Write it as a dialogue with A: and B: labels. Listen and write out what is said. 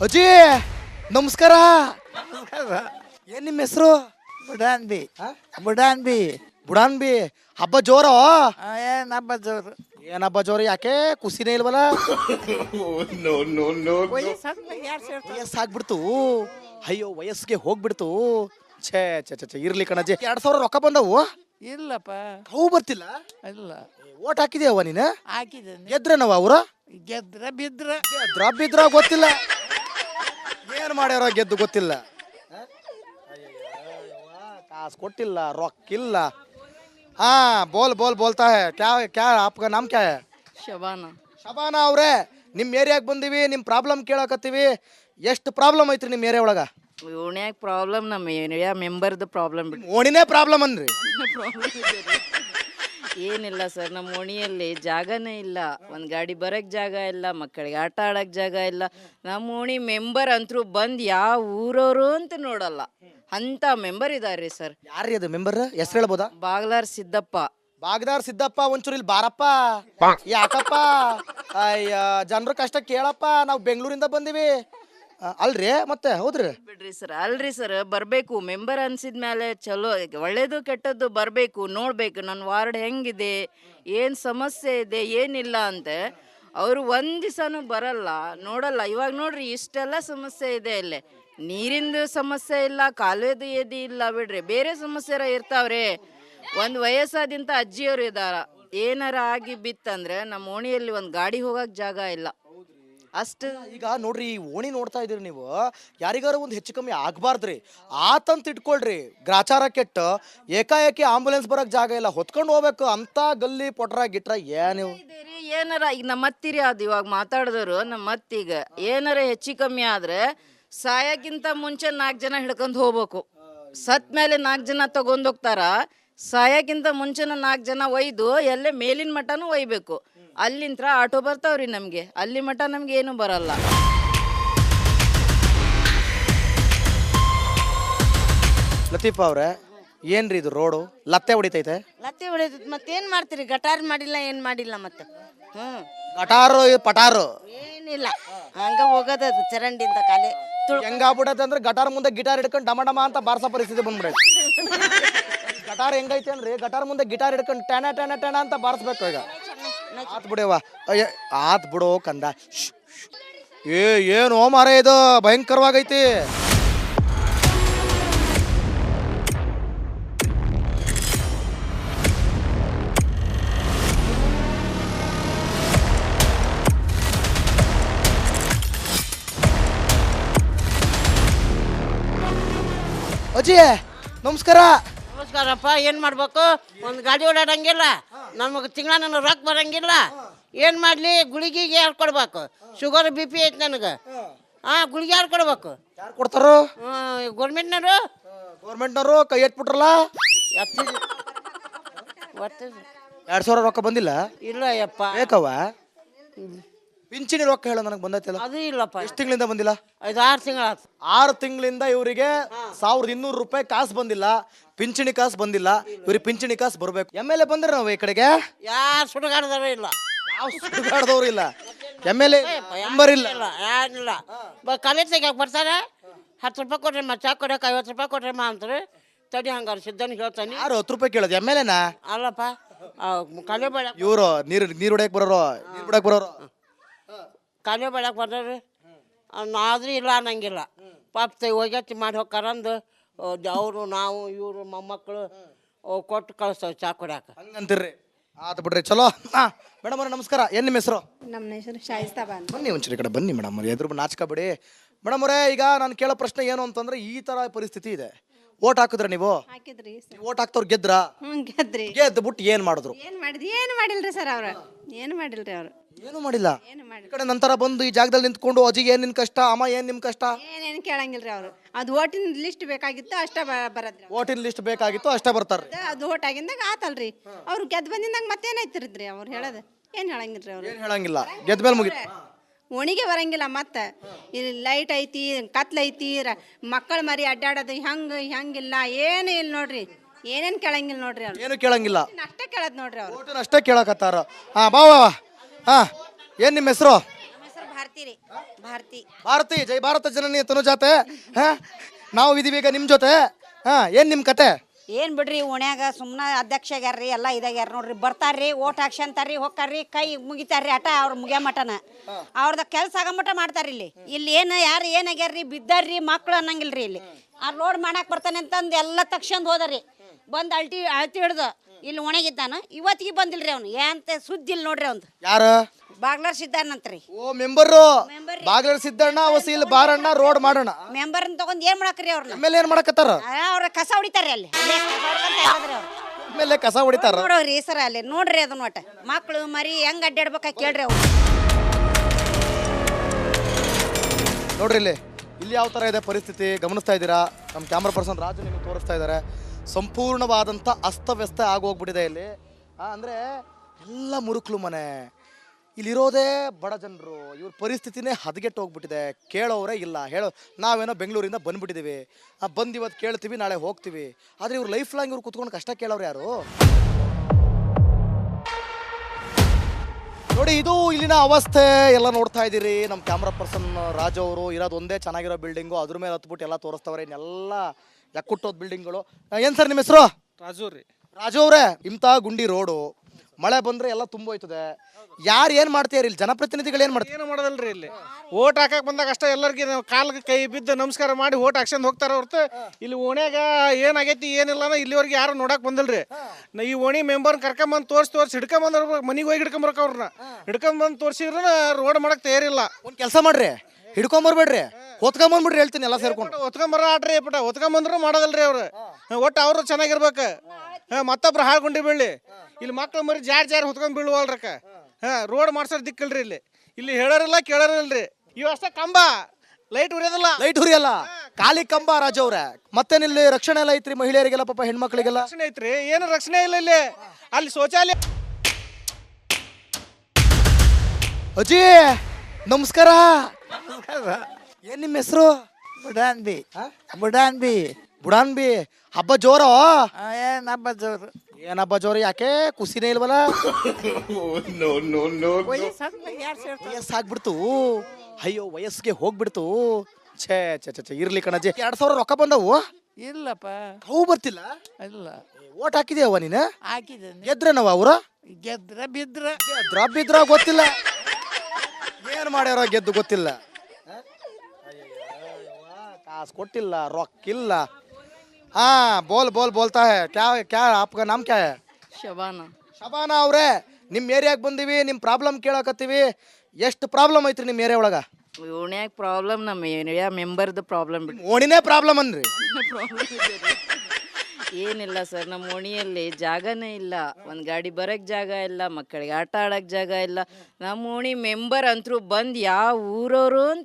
A: ಅಜ್ಜಿ ನಮಸ್ಕಾರ. ಏನ್ ನಿಮ್ಮ ಹೆಸರು?
B: ಬುಡಾನ್ಬಿ ಬುಡಾನ್ಬಿ
A: ಬುಡಾನ್ಬಿ. ಹಬ್ಬ ಜೋರ?
B: ಏನ್ ಹಬ್ಬ ಜೋರು.
A: ಏನ್ ಹಬ್ಬ ಜೋರ? ಯಾಕೆ ಖುಷಿನೇ ಇಲ್ವಲ್ಲ? ವಯಸ್ಸಾಗ್ಬಿಡ್ತು. ಅಯ್ಯೋ ವಯಸ್ಸಿಗೆ ಹೋಗ್ಬಿಡ್ತು. ಛೇ ಛೇ ಛೇ ಇರ್ಲಿ ಕಣಜ್ಜಿ. 2000 ರೊಕ್ಕ ಬಂದವು?
B: ಇಲ್ಲಪ್ಪ
A: ಅವು ಬರ್ತಿಲ್ಲ.
B: ಇಲ್ಲ
A: ಓಟ್ ಹಾಕಿದ್ಯಾವ ನೀನು?
B: ಹಾಕಿದ್ದೇನೆ.
A: ಗೆದ್ರನವ ಅವ್ರ?
B: ಗೆದ್ರ ಬಿದ್ರ
A: ಬಿದ್ರ ಗೊತ್ತಿಲ್ಲ. ಏನ್ ಮಾಡ್ಯಾರ ಗೆದ್ದು ಗೊತ್ತಿಲ್ಲ. ಕಾಸು ಕೊಟ್ಟಿಲ್ಲ, ರೊಕ್ಕಿಲ್ಲ. ಹಾ ಬೋಲ್ತಾ ಹೇ. ಕ್ಯಾ ಆಪ್ಕ ನಾಮ್ ಕ್ಯಾ ಹೇ?
B: ಶಬಾನ.
A: ಶಬಾನ ಅವ್ರೆ, ನಿಮ್ ಏರಿಯಾಗ ಬಂದಿವಿ, ನಿಮ್ ಪ್ರಾಬ್ಲಮ್ ಕೇಳಕತ್ತೀವಿ. ಎಷ್ಟು ಪ್ರಾಬ್ಲಮ್ ಐತ್ರಿ ನಿಮ್ ಏರಿಯಾ ಒಳಗ?
B: ಓಣ್ಯಾಗ ಪ್ರಾಬ್ಲಮ್, ನಮ್ಮ ಏರಿಯಾ ಮೆಂಬರ್ದು ಪ್ರಾಬ್ಲಮ್ ಬಿಟ್ಟು
A: ಓಣಿನೇ ಪ್ರಾಬ್ಲಮ್ ಅನ್ರಿ.
B: ಏನಿಲ್ಲ ಸರ್, ನಮ್ಮ ಓಣಿಯಲ್ಲಿ ಜಾಗನೇ ಇಲ್ಲ. ಒಂದು ಗಾಡಿ ಬರಕ್ಕೆ ಜಾಗ ಇಲ್ಲ, ಮಕ್ಕಳಿಗೆ ಆಟ ಆಡಕ್ಕೆ ಜಾಗ ಇಲ್ಲ. ನಮ್ಮ ಓಣಿ ಮೆಂಬರ್ ಅಂತರೂ ಬಂದು ಯಾವ ಊರವರು ಅಂತ ನೋಡಲ್ಲ ಅಂತ ಮೆಂಬರ್ ಇದಾರೆ ಸರ್.
A: ಯಾರ್ರಿ ಅದು ಮೆಂಬರ್? ಹೆಸರು ಹೇಳ್ಬೋದಾ?
B: ಬಾಗ್ಲಾರ್ ಸಿದ್ದಪ್ಪ.
A: ಬಾಗ್ದಾರ್ ಸಿದ್ದಪ್ಪ, ಒಂಚೂರು ಇಲ್ಲಿ ಬಾರಪ್ಪ. ಯಾಕಪ್ಪ? ಅಯ್ಯ ಜನರ ಕಷ್ಟ ಕೇಳಪ್ಪ. ನಾವು ಬೆಂಗಳೂರಿಂದ ಬಂದಿವಿ. ಅಲ್ರಿ ಮತ್ತೆ? ಹೌದ್ರಿ
B: ಬಿಡ್ರಿ ಸರ್. ಅಲ್ರಿ ಸರ್, ಬರಬೇಕು ಮೆಂಬರ್ ಅನ್ಸಿದ್ಮೇಲೆ ಚಲೋ ಒಳ್ಳೇದು ಕೆಟ್ಟದ್ದು ಬರಬೇಕು, ನೋಡಬೇಕು ನನ್ನ ವಾರ್ಡ್ ಹೆಂಗಿದೆ, ಏನು ಸಮಸ್ಯೆ ಇದೆ ಏನಿಲ್ಲ ಅಂತ. ಅವರು ಒಂದು ದಿವಸನೂ ಬರಲ್ಲ, ನೋಡಲ್ಲ. ಇವಾಗ ನೋಡ್ರಿ ಇಷ್ಟೆಲ್ಲ ಸಮಸ್ಯೆ ಇದೆ. ಇಲ್ಲೇ ನೀರಿಂದು ಸಮಸ್ಯೆ ಇಲ್ಲ, ಕಾಲುವೆದು ಏದಿ ಇಲ್ಲ ಬಿಡ್ರಿ, ಬೇರೆ ಸಮಸ್ಯೆ ಇರ್ತಾವ್ರಿ. ಒಂದು ವಯಸ್ಸಾದಿಂತ ಅಜ್ಜಿಯವರು ಇದ್ದಾರ, ಏನಾರ ಆಗಿ ಬಿತ್ತಂದ್ರೆ ನಮ್ಮ ಓಣಿಯಲ್ಲಿ ಒಂದು ಗಾಡಿ ಹೋಗಕ್ಕೆ ಜಾಗ ಇಲ್ಲ. ಅಷ್ಟು
A: ಈಗ ನೋಡ್ರಿ, ಈ ಓಣಿ ನೋಡ್ತಾ ಇದೀರಿ ನೀವು. ಯಾರಿಗಾರು ಒಂದು ಹೆಚ್ಚು ಕಮ್ಮಿ ಆಗ್ಬಾರ್ದ್ರಿ, ಆತಂತ ಇಟ್ಕೊಳ್ರಿ. ಗ್ರಾಚಾರ ಕೆಟ್ಟ ಏಕಾಏಕಿ ಆಂಬುಲೆನ್ಸ್ ಬರಕ್ ಜಾಗ ಇಲ್ಲ, ಹೊತ್ಕೊಂಡು ಹೋಗ್ಬೇಕು ಅಂತ ಗಲ್ಲಿ ಪೊಟ್ರ ಗಿಟ್ರ ಏನು
B: ಏನಾರ ಈಗ ನಮ್ಮ ಅತ್ತಿರಿ ಅದು ಇವಾಗ ಮಾತಾಡಿದವರು. ನಮ್ಮ ಅತ್ತಿಗ ಏನಾರ ಹೆಚ್ಚು ಕಮ್ಮಿ ಆದ್ರೆ ಸಾಯಕ್ಕಿಂತ ಮುಂಚೆ 4 ಜನ ಹಿಡ್ಕೊಂಡು ಹೋಗ್ಬೇಕು. ಸತ್ ಮೇಲೆ 4 ಜನ ತಗೊಂಡೋಗ್ತಾರ. ಸಾಯಕ್ಕಿಂತ ಮುಂಚೆನ 4 ಜನ ಒಯ್ದು ಎಲ್ಲೇ ಮೇಲಿನ ಮಠನೂ ಒಯ್ಬೇಕು. ಅಲ್ಲಿಂತ್ರ ಆಟೋ ಬರ್ತಾವ್ರಿ ನಮಗೆ, ಅಲ್ಲಿ ಮಠ ನಮ್ಗೆ ಏನು ಬರಲ್ಲ.
A: ಲತೀಫ್ ಅವ್ರೆ, ಏನ್ರಿ ಇದು ರೋಡು ಲತ್ತೆ ಹೊಡಿತೈತೆ?
C: ಲತ್ತೆ ಹೊಡೆದ ಮತ್ತೇನು ಮಾಡ್ತೀರಿ? ಗಟಾರ್ ಮಾಡಿಲ್ಲ, ಏನು ಮಾಡಿಲ್ಲ ಮತ್ತೆ.
A: ಗಟಾರು ಪಟಾರು
C: ಏನಿಲ್ಲ, ಹಂಗ ಹೋಗೋದದು ಚರಂಡಿಂದ ಕಾಲೇ
A: ಹೆಂಗಾಗ್ಬಿಡತ್ತೆ ಅಂದ್ರೆ ಗಟಾರ್ ಮುಂದೆ ಗಿಟಾರ್ ಹಿಡ್ಕೊಂಡು ಡಮ ಡಮ ಅಂತ ಬಾರ್ಸೋ ಪರಿಸ್ಥಿತಿ ಬಂದ್ಬಿಡೈತೆ. ಗಟಾರ್ ಹೆಂಗೈತೆ ಅಂದ್ರೆ ಗಟಾರ್ ಮುಂದೆ ಗಿಟಾರ್ ಹಿಡ್ಕೊಂಡು ಟಣ ಟಣ ಟಣ ಅಂತ ಬಾರಿಸ್ಬೇಕು. ಈಗ ಆತ್ ಬಿಡವ, ಆತ್ ಬಿಡೋ ಕಂದ. ಏನು ಮಾರ ಇದು ಭಯಂಕರವಾಗೈತಿ. ಅಜ್ಜಿ ನಮಸ್ಕಾರ.
C: ನಮಸ್ಕಾರಪ್ಪ. ಏನು ಮಾಡ್ಬೇಕು? ಒಂದು ಗಾಡಿ ಓಡಾಡಂಗಿಲ್ಲ, ನಮಗೆ ತಿಂಗಳ ನನಗೆ ರೊಕ್ಕ ಬರಂಗಿಲ್ಲ. ಏನು ಮಾಡಲಿ? ಗುಳಿಗೆಗೆ ಯಾರು ಕೊಡ್ಬೇಕು? ಶುಗರ್ BP ಐತೆ ನನಗೆ. ಗುಳಿಗೆ ಯಾರು ಕೊಡ್ಬೇಕು?
A: ಯಾರು ಕೊಡ್ತಾರೋ?
C: ಗೌರ್ಮೆಂಟ್ನವರು.
A: ಗೌರ್ಮೆಂಟ್ನವರು ಕೈ ಎಟ್ಬಿಟ್ರಲ್ಲ. 2000 ರೊಕ್ಕ ಬಂದಿಲ್ಲ?
C: ಇಲ್ಲ ಯಪ್ಪ.
A: ಬೇಕವ ಪಿಂಚಣಿ ರೊಕ್ಕ ಹೇಳ ನನಗೆ ಬಂದೈತಲ್ಲ.
C: ಅದು ಇಲ್ಲಪ್ಪ.
A: ಎಷ್ಟು ತಿಂಗಳಿಂದ ಬಂದಿಲ್ಲ?
C: 5-6 ತಿಂಗಳಾಯ್ತು.
A: 6 ತಿಂಗಳಿಂದ ಇವರಿಗೆ 1200 ರೂಪಾಯಿ ಕಾಸು ಬಂದಿಲ್ಲ, ಪಿಂಚಣಿ ಕಾಸು ಬಂದಿಲ್ಲ. ಇವ್ರಿಗೆ ಪಿಂಚಣಿ ಕಾಸು ಬರ್ಬೇಕು. MLA ಬಂದ್ರೆ ನಾವು ಈ ಕಡೆಗೆ
C: ಯಾರು ಸುಡುಗಾಡ್ದವರು ಇಲ್ಲ,
A: ಯಾವ ಸುಡುಗಾಡ್ದವ್ರು ಇಲ್ಲ. MLA ನಂಬರ್ ಇಲ್ಲ,
C: ಏನಿಲ್ಲ. ಕಾಲೇಜ್ ತೆಗಿಯಕ್ಕೆ ಬರ್ತಾರೆ. 10 ರೂಪಾಯಿ ಕೊಡ್ರಮ್ಮ ಚಾ ಕೊಡಕ್ಕೆ, 50 ರೂಪಾಯಿ ಕೊಡ್ರಮ್ಮ ಅಂತಾರೆ. ತಡಿ ಹಂಗಾರೆ ಸಿದ್ಧನಿಗೆ ಹೇಳ್ತಾನೆ.
A: ಯಾರು 10 ರೂಪಾಯಿ ಕೇಳೋದು? MLAನಾ?
C: ಅಲ್ಲಪ್ಪ, ಕಾಲೇ ಬೇಡ.
A: ಇವರು ನೀರು ಹೊಡ್ಯಕ್ ಬರೋರು, ನೀರು ಬಿಡಕ್ ಬರೋರು.
C: ಕಾಲೇ ಬೇಡಕ್ಕೆ ಬರ್ತಾರೆ. ಆದ್ರೂ ಇಲ್ಲ ಅನ್ನಂಗಿಲ್ಲ. ಪಾಪ ಹೋಗ್ಯತ್ತಿ ಮಾಡಿ ಹೋಗ್ಕಾರಂದು ಅವರು ನಾವು ಇವರು ಮೊಮ್ಮಕ್ಕಳು ಕೊಟ್ಟು ಕಳಿಸ್ತೇವೆ ಚಾ ಕುಡಿಯಾಕ.
A: ಹಂಗಂತೀರ್ರಿ? ಆತು ಬಿಡ್ರಿ, ಚಲೋ. ಮೇಡಮ್ ಅವ್ರೆ ನಮಸ್ಕಾರ. ಏನು ನಿಮ್ಮ ಹೆಸರು?
D: ನಮ್ಮ ಹೆಸರು ಶಾಯಿಸ್ತಾ ಬಾನ್.
A: ಬನ್ನಿ ಒಂಚೂರು ಈ ಕಡೆ ಬನ್ನಿ ಮೇಡಮ್ ಅವ್ರೆ, ಎದುರು ನಾಚ್ಕೋಬೇಡಿ. ಮೇಡಮ್ ಅವರೇ, ಈಗ ನಾನು ಕೇಳೋ ಪ್ರಶ್ನೆ ಏನು ಅಂತಂದ್ರೆ, ಈ ತರ ಪರಿಸ್ಥಿತಿ ಇದೆ. ಓಟ್ ಹಾಕಿದ್ರ ನೀವು?
D: ಹಾಕಿದ್ರಿ ಸರ್.
A: ಓಟ್ ಹಾಕ್ತವ್ರು ಗೆದ್ರಾ?
D: ಗೆದ್ರಿ.
A: ಗೆದ್ದು ಬಿಟ್ಟು ಏನ್ ಮಾಡಿದ್ರು?
D: ಏನು ಮಾಡಿದ್ರಿ? ಏನು ಮಾಡಿಲ್ರಿ ಸರ್ ಅವ್ರು. ಏನು ಮಾಡಿಲ್ರಿ ಅವರು.
A: ಏನು ಮಾಡಿಲ್ಲ.
D: ಏನು
A: ಈ
D: ಮಾಡಿಲ್ಲ.
A: ಕಡೆ ನಂತರ ಬಂದು ಈ ಜಾಗದಲ್ಲಿ ನಿಂತ್ಕೊಂಡು ಅಜ್ಜಿಗೆ ಏನ್ ನಿನ್ ಕಷ್ಟ, ಅಮ್ಮ ಏನ್ ನಿಮ್ ಕಷ್ಟ,
D: ಏನೇನು ಕೇಳಂಗಿಲ್ರಿ ಅವರು. ಅದು ಓಟಿನ ಲಿಸ್ಟ್ ಬೇಕಾಗಿತ್ತು ಅಷ್ಟೇ ಬರದ್ರಿ.
A: ಓಟಿನ ಲಿಸ್ಟ್ ಬೇಕಾಗಿತ್ತು ಅಷ್ಟೇ ಬರ್ತಾರ್ರಿ.
D: ಅದು ಓಟ್ ಆಗಿಂದಾಗ ಆತಲ್ರಿ. ಅವ್ರು ಗೆದ್ದು ಬಂದಿಂದಾಗ ಮತ್ತೇನಾಯ್ತಿರಿದ್ರಿ ಅವ್ರು ಹೇಳೋದು? ಏನು ಹೇಳಂಗಿಲ್ರಿ ಅವರು.
A: ಏನ್ ಹೇಳಂಗಿಲ್ಲ, ಗೆದ್ದ ಮೇಲೆ ಮುಗಿತು.
D: ಓಣಿಗೆ ಬರಂಗಿಲ್ಲ. ಮತ್ತೆ ಇಲ್ಲಿ ಲೈಟ್ ಐತಿ, ಕತ್ಲೈತಿ, ಮಕ್ಕಳು ಮರಿ ಅಡ್ಡಾಡೋದು ಹೆಂಗಿಲ್ಲ, ಏನು ಇಲ್ಲ ನೋಡ್ರಿ. ಏನೇನು ಕೇಳಂಗಿಲ್ಲ ನೋಡ್ರಿ ಅವ್ರು.
A: ಏನು ಕೇಳಂಗಿಲ್ಲ,
D: ಅಷ್ಟೇ ಕೇಳೋದು ನೋಡ್ರಿ ಅವ್ರು.
A: ಓಟಿನ ಅಷ್ಟೇ ಕೇಳಕತ್ತಾರ. ಹಾ ಬಾ ಬಾ. ಹಾ, ಏನ್ ನಿಮ್ಮ ಹೆಸರು?
D: ನಮ್ಮ ಹೆಸರು ಭಾರತಿ ಭಾರತಿ ರೀ ಭಾರತಿ
A: ಭಾರತಿ ಜೈ ಭಾರತ ಜನನಿ ತನುಜಾತೆ ಹಾ ನಾವು ಇದೀವಿ ಈಗ ನಿಮ್ಮ ಜೊತೆ ಹಾ ಏನ್ ನಿಮ್ಮ ಕತೆ
E: ಏನು ಬಿಡ್ರಿ ಓಣ್ಯಾಗ ಸುಮ್ಮನೆ ಅಧ್ಯಕ್ಷ ಆಗ್ಯಾರ್ರಿ ಎಲ್ಲ ಇದಾಗ್ಯಾರ ನೋಡ್ರಿ ಬರ್ತಾರ್ರಿ ಓಟ್ ಹಾಕ್ಸಂತಾರ್ರಿ ಹೋಗ್ತಾರ್ರಿ ಕೈ ಮುಗಿತಾರ್ರಿ ಆಟ ಅವ್ರ ಮುಗಿಯ ಮಟನ ಅವ್ರದ ಕೆಲಸ ಆಗೋ ಮಟ ಮಾಡ್ತಾರ್ರಿ ಇಲ್ಲಿ ಏನು ಯಾರು ಏನಾಗ್ಯಾರ್ರಿ ಬಿದ್ದಾರ್ರಿ ಮಕ್ಳು ಅನ್ನಂಗಿಲ್ರಿ ಇಲ್ಲಿ ಆ ರೋಡ್ ಮಾಡಕ್ಕೆ ಬರ್ತಾನೆ ಅಂತಂದು ಎಲ್ಲ ತಕ್ಷಣ ಹೋದ್ರಿ ಬಂದು ಅಳ್ತಿ ಹಿಡ್ದು ಇಲ್ಲಿ ಒಣಗಿದ್ದಾನ ಇವತ್ತಿಗೆ ಬಂದಿಲ್ರಿ ಅವ್ನು ಏನಂತ ಸುದ್ದಿ ಇಲ್ಲ ನೋಡ್ರಿ ಅವ್ನು
A: ಯಾರ
E: ಬಾಗ್ಲಾರ್ ಸಿದ್ದಾನಂತ್ರಿ
A: ಓ ಮೆಂಬರು ಬಾಗ್ಲರ್ ಸಿದ್ದಣ್ಣ ವಸೀಲ್ ಬಾರಣ್ಣ ರೋಡ್ ಮಾಡೋಣ
E: ಮೆಂಬರ್ನ ತಗೊಂಡ್ ಏನ್ ಮಾಡಕ್ರಿ ಅವ್ರನ್ನ
A: ಆಮೇಲೆ ಏನ್ ಮಾಡಕತ್ತಾರ
E: ಅವ್ರ ಕಸ ಹೊಡಿತಾರ್ರಿ ಅಲ್ಲಿ ಅಲ್ಲೇ ಕಸ ಹೊಡ್ಕೊಂತ ಇರೋದ್ರಿ ಅವ್ರು.
A: ಆಮೇಲೆ ಕಸ ಹೊಡಿತಾರ
E: ನೋಡೋರಿ ಸರ ಅಲ್ಲಿ ನೋಡ್ರಿ ಅದನ್ನ ಒಟ್ಟ ಮಕ್ಳು ಮರಿ ಹೆಂಗ್ ಅಡ್ಡಾಡ್ಬೇಕ ಕೇಳ್ರಿ ಅವ್ರು
A: ನೋಡ್ರಿ ಇಲ್ಲಿ ಯಾವ ತರ ಇದೆ ಪರಿಸ್ಥಿತಿ ಗಮನಿಸ್ತಾ ಇದ್ದೀರಾ ನಮ್ಮ ಕ್ಯಾಮ್ರಾ ಪರ್ಸನ್ ರಾಜು ನಿಮಗೆ ತೋರಿಸ್ತಾ ಇದ್ದಾರೆ ಸಂಪೂರ್ಣವಾದಂಥ ಅಸ್ತವ್ಯಸ್ತ ಆಗೋಗ್ಬಿಟ್ಟಿದೆ ಇಲ್ಲಿ ಅಂದರೆ ಎಲ್ಲ ಮುರುಕ್ಲು ಮನೆ ಇಲ್ಲಿರೋದೇ ಬಡ ಜನರು ಇವ್ರ ಪರಿಸ್ಥಿತಿನೇ ಹದಗೆಟ್ಟು ಹೋಗ್ಬಿಟ್ಟಿದೆ ಕೇಳೋರೇ ಇಲ್ಲ ಹೇಳೋ ನಾವೇನೋ ಬೆಂಗಳೂರಿಂದ ಬಂದ್ಬಿಟ್ಟಿದ್ದೀವಿ ಬಂದು ಇವತ್ತು ಕೇಳ್ತೀವಿ ನಾಳೆ ಹೋಗ್ತೀವಿ ಆದರೆ ಇವ್ರು ಲೈಫ್ ಲಾಂಗ್ ಇವ್ರು ಕುತ್ಕೊಂಡು ಕಷ್ಟ ಕೇಳೋರು ಯಾರು ನೋಡಿ ಇದು ಇಲ್ಲಿನ ಅವಸ್ಥೆ ಎಲ್ಲ ನೋಡ್ತಾ ಇದ್ದೀರಿ ನಮ್ಮ ಕ್ಯಾಮ್ರಾ ಪರ್ಸನ್ ರಾಜು ಅವರು ಇರೋದು ಒಂದೇ ಚೆನ್ನಾಗಿರೋ ಬಿಲ್ಡಿಂಗು ಅದ್ರ ಮೇಲೆ ಹತ್ಬಿಟ್ಟು ಎಲ್ಲ ತೋರಿಸ್ತವ್ರೆ ಇನ್ನೆಲ್ಲ ಯಾಕುಟ್ಟೋದು ಬಿಲ್ಡಿಂಗ್ಗಳು ಏನು ಸರ್ ನಿಮ್ಮ ಹೆಸರು
F: ರಾಜು ರೀ
A: ರಾಜು ಅವರೇ ಇಂಥ ಗುಂಡಿ ರೋಡು ಮಳೆ ಬಂದರೆ ಎಲ್ಲ ತುಂಬೋಯ್ತದೆ ಯಾರು ಏನು ಮಾಡ್ತೀರಿ ಇಲ್ಲಿ ಜನಪ್ರತಿನಿಧಿಗಳು ಏನು ಮಾಡ್ತಾರೆ
F: ಏನು ಮಾಡೋದಲ್ರಿ ಇಲ್ಲಿ ಓಟ್ ಹಾಕಕ್ಕೆ ಬಂದಾಗ ಅಷ್ಟೇ ಎಲ್ಲರಿಗೆ ನಾವು ಕಾಲ್ಗೆ ಕೈ ಬಿದ್ದು ನಮಸ್ಕಾರ ಮಾಡಿ ಓಟ್ ಹಾಕ್ಸ್ಕೊಂಡು ಹೋಗ್ತಾರೆ ಹೊರತು ಇಲ್ಲಿ ಓಣ್ಯಾಗ ಏನಾಗೈತಿ ಏನಿಲ್ಲ ಇಲ್ಲಿವರೆಗೆ ಯಾರು ನೋಡಕ್ಕೆ ಬಂದಿಲ್ರಿ ಈ ಓಣಿ ಮೆಂಬರ್ನ ಕರ್ಕೊಂಬಂದು ತೋರಿಸಿ ಹಿಡ್ಕೊಂಬಂದ್ರೆ ಮನೆಗೆ ಹೋಗಿ ಹಿಡ್ಕೊಂಬರಕ್ಕೆ ಅವ್ರನ್ನ ಹಿಡ್ಕೊಂಬಂದು ತೋರಿಸಿದ್ರೆ ರೋಡ್ ಮಾಡಕ್ಕೆ ತಯಾರಿಲ್ಲ
A: ಒಂದು ಕೆಲಸ ಮಾಡ್ರಿ ಹಿಡ್ಕೊಂಬರ್ಬೇಡ್ರಿ ಹೊತ್ಕೊಂಬಂದ್ಬಿಡ್ರಿ ಹೇಳ್ತೀನಿ ಎಲ್ಲ ಸೇರ್ಕೊಂಡು
F: ಹೊತ್ಕೊಂಬರ ಆಡ್ರಿ ಪುಟ ಹೊತ್ಕೊಂಬಂದ್ರು ಮಾಡೋದಲ್ರಿ ಅವ್ರು ಒಟ್ಟು ಅವರು ಚೆನ್ನಾಗಿರ್ಬೇಕು ಮತ್ತೊಬ್ರು ಹಾಳ್ಕೊಂಡಿ ಬೀಳಿ ಇಲ್ಲಿ ಮಕ್ಳು ಮರಿ ಜಾರಿ ಹೊತ್ಕೊಂಡ್ ಬೀಳುವಲ್ರಕ್ಕ ರೋಡ್ ಮಾಡ್ಸೋರ್ ದಿಕ್ಕಲ್ರಿ ಇಲ್ಲಿ ಹೇಳೋರಿಲ್ಲ ಕೇಳೋರಿಲ್ರಿ ಇವು ಅಷ್ಟೇ ಕಂಬ ಲೈಟ್ ಉರಿಯೋದಿಲ್ಲ
A: ಲೈಟ್ ಹುರಿಯಲ್ಲ ಖಾಲಿ ಕಂಬ ರಾಜು ಅವ್ರೆ ಮತ್ತೇನಿಲ್ಲಿ ರಕ್ಷಣೆ ಎಲ್ಲ ಐತ್ರಿ ಮಹಿಳೆಯರಿಗೆಲ್ಲ ಪಾಪ ಹೆಣ್ಮಕ್ಳಿಗೆಲ್ಲ
F: ರಕ್ಷಣೆ ಐತ್ರಿ ಏನು ರಕ್ಷಣೆ ಇಲ್ಲ ಇಲ್ಲಿ ಅಲ್ಲಿ ಶೌಚಾಲಯ
A: ಅಜ್ಜಿ ನಮಸ್ಕಾರ ಏನ್ ನಿಮ್ಮ ಹೆಸರು
G: ಬುಡಾನ್ಬಿ ಬುಡಾನ್ಬಿ
A: ಬುಡಾನ್ಬಿ ಹಬ್ಬ ಜೋರೋ
G: ಏನ್ ಹಬ್ಬ ಜೋರು
A: ಏನ್ ಹಬ್ಬ ಜೋರು ಯಾಕೆ ಖುಷಿನೇ ಇಲ್ವಲ್ಲ ವಯಸ್ಸಾಗ್ಬಿಡ್ತು ಅಯ್ಯೋ ವಯಸ್ಸಿಗೆ ಹೋಗ್ಬಿಡ್ತು ಛೇ ಛೇ ಛೇ ಛೇ ಇರ್ಲಿ ಕಣಜ್ಜಿ 2000 ರೊಕ್ಕ ಬಂದವು
G: ಇಲ್ಲಪ್ಪ
A: ಅವು ಬರ್ತಿಲ್ಲ
G: ಇಲ್ಲ
A: ಓಟ್ ಹಾಕಿದ್ಯಾವ ನೀನು
G: ಹಾಕಿದ್ದೇನೆ
A: ಗೆದ್ರೇನವ ಅವ್ರ
G: ಗೆದ್ರ ಬಿದ್ರ
A: ಬಿದ್ರ ಗೊತ್ತಿಲ್ಲ ಏನ್ ಮಾಡ್ಯಾರ ಗೆದ್ದು ಗೊತ್ತಿಲ್ಲ ಕಾಸು ಕೊಟ್ಟಿಲ್ಲ ರೊಕ್ಕಿಲ್ಲ ಹಾ ಬೋಲ್ ಬೋಲ್ ಬೋಲ್ತಾ ಹೇ ಕ್ಯಾ ಕ್ಯಾ ಆಪ್ಕ ನಾಮ್ ಕ್ಯಾ ಹೇ
B: ಶಬಾನ
A: ಶಬಾನಾ ಅವ್ರೆ ನಿಮ್ಮ ಏರಿಯಾಗೆ ಬಂದೀವಿ ನಿಮ್ಮ ಪ್ರಾಬ್ಲಮ್ ಕೇಳಕತ್ತೀವಿ ಎಷ್ಟು ಪ್ರಾಬ್ಲಮ್ ಐತ್ರಿ ನಿಮ್ಮ ಏರಿಯಾ ಒಳಗ
B: ಓಣ್ಯಾಗ ಪ್ರಾಬ್ಲಮ್ ನಮ್ಮ ಏರಿಯಾ ಮೆಂಬರ್ದು ಪ್ರಾಬ್ಲಮ್ ಬಿಟ್ಟು
A: ಓಣಿನೇ ಪ್ರಾಬ್ಲಮ್ ಅನ್ರಿ
B: ಏನಿಲ್ಲ ಸರ್ ನಮ್ಮ ಓಣಿಯಲ್ಲಿ ಜಾಗನೇ ಇಲ್ಲ ಒಂದು ಗಾಡಿ ಬರಕ್ಕೆ ಜಾಗ ಇಲ್ಲ ಮಕ್ಕಳಿಗೆ ಆಟ ಆಡೋಕ್ಕೆ ಜಾಗ ಇಲ್ಲ ನಮ್ಮ ಓಣಿ ಮೆಂಬರ್ ಅಂತರೂ ಬಂದು ಯಾವ ಊರವರು ಅಂತ